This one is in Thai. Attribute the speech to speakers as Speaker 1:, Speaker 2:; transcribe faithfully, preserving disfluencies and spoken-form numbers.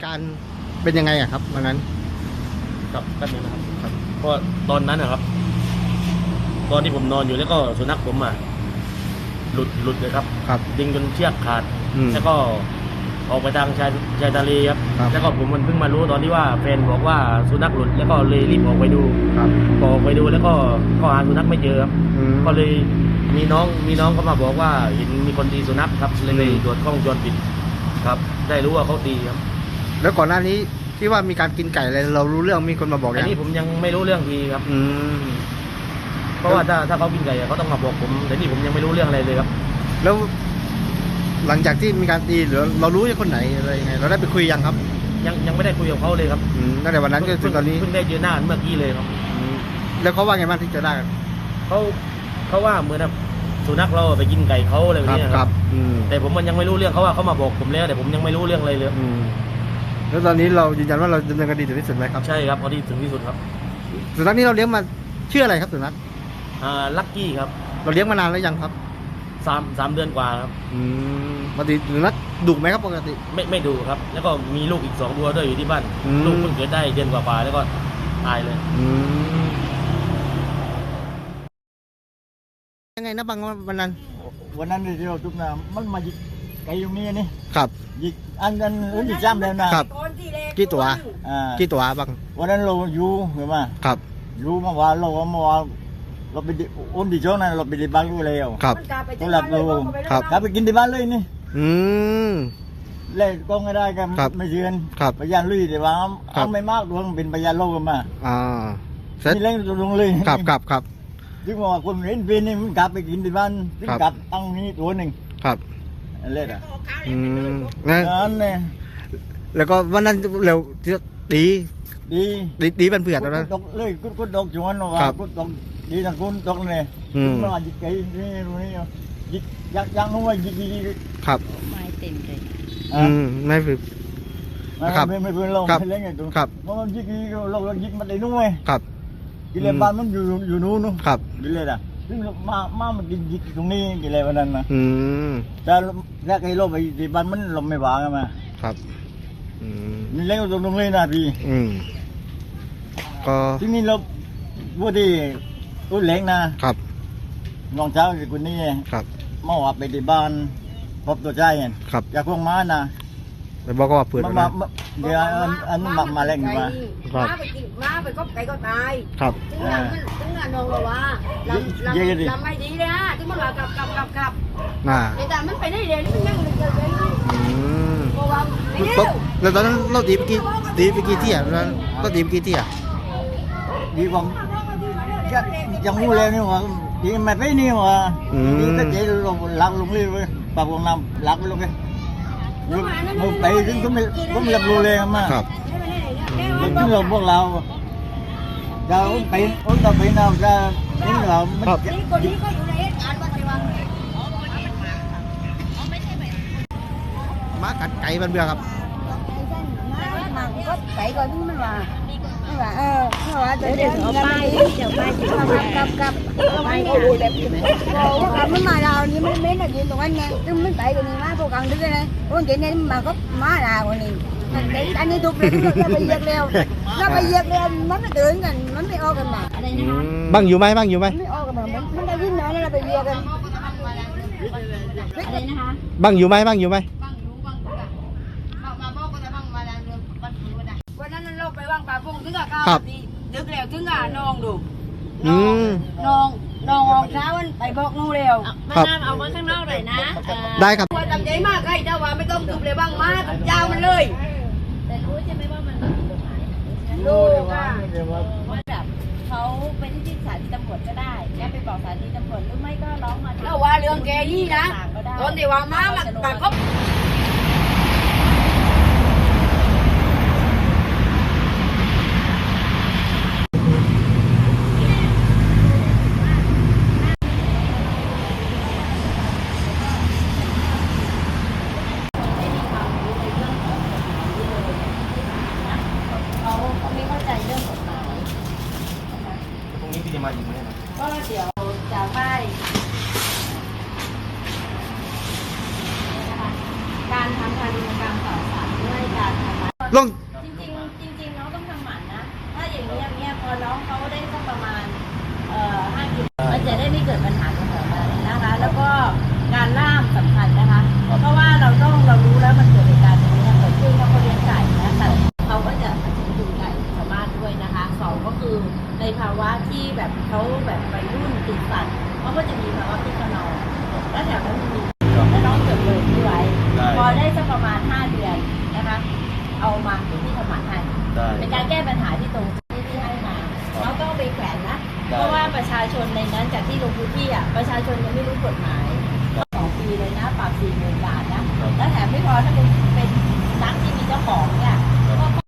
Speaker 1: การเป็นยังไงอะครับวันนั้น
Speaker 2: ครับแป๊บนึงนะครับครับเพราะตอนนั้นนะครับตอนที่ผมนอนอยู่แล้วก็สุนัขผมอ่ะหลุดหลุดเลยครับ
Speaker 1: ครับ
Speaker 2: ดึงจนเชือกขาดแล้วก็ออกไปทางชายชายทะเลครับแล้วก็ผมมันเพิ่งมารู้ตอนที่ว่าแฟนบอกว่าสุนัขหลุดแล้วก็เลยรีบออกไปดู
Speaker 1: ครับ
Speaker 2: ออกไปดูแล้วก็ก็หาสุนัขไม่เจอครับก็เลยมีน้องมีน้องเขามาบอกว่าเห็นมีคนตีสุนัขครับเลยเลยตรวจกล้องวงจรปิดครับได้รู้ว่าเขาตีครับ
Speaker 1: แล้วก่อนหน้านี้ที่ว่ามีการกินไก่อะไรเรารู้เรื่องมีคนมาบอก
Speaker 2: อันนี้ผมยังไม่รู้เรื่องทีครับอืมเพราะว่าถ้าถ้าเขากินไก่เขาต้องมาบอกผมแต่นี่ผมยังไม่รู้เรื่องอะไรเลยครับ
Speaker 1: แล้วหลังจากที่มีการตีหรือเรารู้ว่าคนไหนอะไรยังไงเราได้ไปคุยยังครับ
Speaker 2: ยังยังไม่ได้คุยกับเขาเลยครับ
Speaker 1: ตั้งแต่วันนั้นจนถึงตอนนี้
Speaker 2: เพิ่งได้เจอหน้าเมื่อกี้เลยครับ
Speaker 1: แล้วเขาว่าไงบ้างที่เจอหน้ากัน
Speaker 2: เขาเขาว่าเหมือนสุนัขเราไปกินไก่เขาอะไรแบบนี้ครับแต่ผมมันยังไม่รู้เรื่องเขาว่าเขามาบอกผมแล้วแต่ผมยังไม่รู้เรื่องอะไรเลย
Speaker 1: แล้วตอนนี้เรายืนยันว่าเราดำเนินคดีถึงที่สุดไหมครับ
Speaker 2: ใช่ครับพอดีถึงที่สุดครับ
Speaker 1: สุนัขนี้เราเลี้ยงมาชื่ออะไรครับสุนัข
Speaker 2: อ่าลักกี้ครับ
Speaker 1: เราเลี้ยงมานานแล้วยังครับ
Speaker 2: สามสามเดือนกว่าครับ
Speaker 1: อืมปกติสุนัขดุไหมครับปกติ
Speaker 2: ไม่ไม่ดุครับแล้วก็มีลูกอีกสองตัวด้วยอยู่ที่บ้านลูกเพิ่งเกิดได้เดือนกว่าๆแล้วก็ตายเลย
Speaker 1: ยังไงนะบางวันนั้น
Speaker 3: วันนั้นที่เราทุกน้ำมันมายิกไก่ตรงนี้นี่
Speaker 1: ครับ
Speaker 3: ยิกอันนั้นอื่นที่จ้ำแล้วนะครับ
Speaker 1: กี่ตัว
Speaker 3: อ่า
Speaker 1: กี่ตัวบาง
Speaker 3: วันนั้นเราอยู่เห็นไหม
Speaker 1: ครับ
Speaker 3: อยู่เมื่อวานเราเมื่อวานเราไปอุ่นที่ช่วงนั้นเราไปที่บ้านรู้แล้ว
Speaker 1: ครับ
Speaker 3: ตัวหลับเราครับกลับไปกินที่บ้านเลยนี่
Speaker 1: อืม
Speaker 3: เล่นก็ไม่ได้กันไม่เชื่อพยานลุยแต่ว่าเอาไม่มากดวงเป็นพยานโลกกันมา
Speaker 1: อ่า
Speaker 3: นี่เล่นลงเลย
Speaker 1: ครับครับครับ
Speaker 3: ที่ว่าคนเห็นเป็นนี่มันกลับไปกินที่บ้านที่กลับตั้งนี้ตัวหนึ่ง
Speaker 1: ครับ
Speaker 3: เล่นอ่ะ
Speaker 1: อืมนั่
Speaker 3: นเนี่ย
Speaker 1: แล้วก็วันนั้นเร็วดี
Speaker 3: ดี
Speaker 1: ดีดีเป็นเผือกแล้วนะ
Speaker 3: เลยกุดกุดดอกจวนว่ากุดดอกดีทั้งกุดดอกเลยมาจิกไก่นี่รู้นี่จิกยักยักนู้นว่าจิกจิก
Speaker 1: ครับ
Speaker 4: ไม่เต็มเลย
Speaker 1: อืมไม่ฝึก
Speaker 3: ครับไม่ไม่เพื่อนเราไม่เล่นไงตัว
Speaker 1: ครับ
Speaker 3: เพราะมันจิกเราเราจิกมันได้นู้นไง
Speaker 1: ครับ
Speaker 3: กิเลสบ้านมันอยู่อยู่นู้นนู้น
Speaker 1: ครับ
Speaker 3: กิเลสอ่ะซึ่งมามามันจิกจิกตรงนี้กิเลสวันนั้นนะ
Speaker 1: อืม
Speaker 3: แต่ถ้าใครเราไปที่บ้านมันเราไม่หวานกันมา
Speaker 1: ครับอืม
Speaker 3: นี่เล่นตรงตรงนี้นะพี่
Speaker 1: อืมก็
Speaker 3: ที่นี่เราพูดที่พูดเล้งนะครับน้องเช้าคือคนนี้
Speaker 1: ครับ
Speaker 3: เมื่อวานไปที่บ้านพบตัวใจเห็น
Speaker 1: ครับ
Speaker 3: อยากพวงม้านะ
Speaker 1: ไปบอกว่าเปิด
Speaker 3: มาเดี๋ยวอันนี้มามาเล่นอยู่มา
Speaker 4: ม้าไปกินม้าไปก็ไก่ก็ตาย
Speaker 1: ครับ
Speaker 4: ถึงนั้นถึงนั้นน้องบอกว่าลำลำลำไม่ดีเลยฮะถึงมันว่ากลับกลับกลับกลับ
Speaker 1: น่ะ
Speaker 4: แต่มันไปได้เรียนมันยังไม่เกิดเลยเพราะว่า
Speaker 1: แล้วตอนนั้นเราตีไปกี่ตีไปกี่ที่อ่ะแล้วก็ตีไปกี่ที่อ่ะ
Speaker 3: ดีกว่ายังงูเลยนี่ว่าดีไม่ไปนี่ว่าดีก็เจ๊ลงหลักลงเลยเว้ยปากวงน้ำหลักลงเลยมึงไปถึงก็ไม่ก็ไม่รับรู้เลยมา
Speaker 1: ครับ
Speaker 3: ถึงเราพวกเราจะไปอุ้นต่อไปnàoจะนี่เรา
Speaker 1: มันม้ากัดไก่มันเบื่อครับ
Speaker 4: ก็ไก่ก่อนที่มันว่าว่าเออเพราะว่าเดี๋ยวเอาไปเดี๋ยวไปที่เรากลับกลับไปโอ้โหแบบเรากลับมันมาเรานี่มันไม่ได้ยินตรงนั้นไงซึ่งมันไปกันนี่มาพวกกันด้วยนะพวกเจนี่มาก็มาลาคนนี้อันนี้ถูกเลยเราไปเหยียบเร็วเราไปเหยียบเร็วมันไม่ตื่นกันมันไม่ออกกันมาอะไรนะคะ
Speaker 1: บ้างอยู่ไหมบ้างอยู่ไหม
Speaker 4: ไม่ออกกันมามันได้ยินน้อยแล้วเราไปเหยียบกันอะไรนะคะ
Speaker 1: บ้างอยู่ไหมบ้างอยู่ไหม
Speaker 4: วันนั้นเราไปวางปลาพงถึงกับข้าวดึกแล้วถึงกับน้องดูน้องน้องออกเช้าวันไปบอกนู่นเร็ว
Speaker 1: มา
Speaker 4: น้ำเอามาข้างนอกเลยนะ
Speaker 1: ได้ครับ
Speaker 4: ว่าทำใจมากใครเจ้าว่าไม่ต้องทุบเลยบ้างมาเจ้ามันเลยแต่รู้ใช่ไหมว่ามันรู้ค่ะว่าแบบเขาไปที่สถานีตำรวจก็ได้แกไปบอกสถานีตำรวจหรือไม่ก็ร้องมาแล้วว่าเรื่องแกยี่นะตอนที่ว่ามาปากเขา
Speaker 2: มาอีกไหมครับ
Speaker 4: ก็เดี๋ยวจะไปการทำการดำเนินการต่อสารด้วยการทำ
Speaker 1: ลง
Speaker 5: จริงๆจริงๆน้องต้องทำหมันนะ ถ้าอย่างนี้อย่างเงี้ยพอน้องเขาได้สักประมาณเอ่อห้ากิโลมันจะได้ไม่เกิดปัญหาตรงไหนอะไรนะคะ แล้วก็การล่ามสำคัญนะคะ เพราะว่าเราต้องเรารู้แล้วมันเกิดเหตุการณ์ตรงนี้เกิดขึ้นเพราะเขาเลี้ยงไก่นะแต่เขาก็จะดูไก่ชาวบ้านด้วยนะคะสองก็คือในภาวะที่แบบเขาแบบวัยรุ่นติดสัตว์เขาก็จะมีภาวะคึกขนองและแถวนั้นมีแล้วน้องเกิดเลยที่ไว้พอได้สักประมาณห้าเดือนนะคะ เอามาที่ที่ทำหมันให้
Speaker 2: ได้
Speaker 5: เป็นการแก้ปัญหาที่ตรงที่ที่ให้มาเราต้องเอาไปแขวนนะ เพราะว่าประชาชนในนั้นจากที่ลงพื้นที่อ่ะประชาชนยังไม่รู้กฎหมายสองปีเลยนะปรับสี่หมื่นบาทนะแล้วแถมไม่พอถ้าเป็นเป็นนักที่มีเจ้าของเนี่ย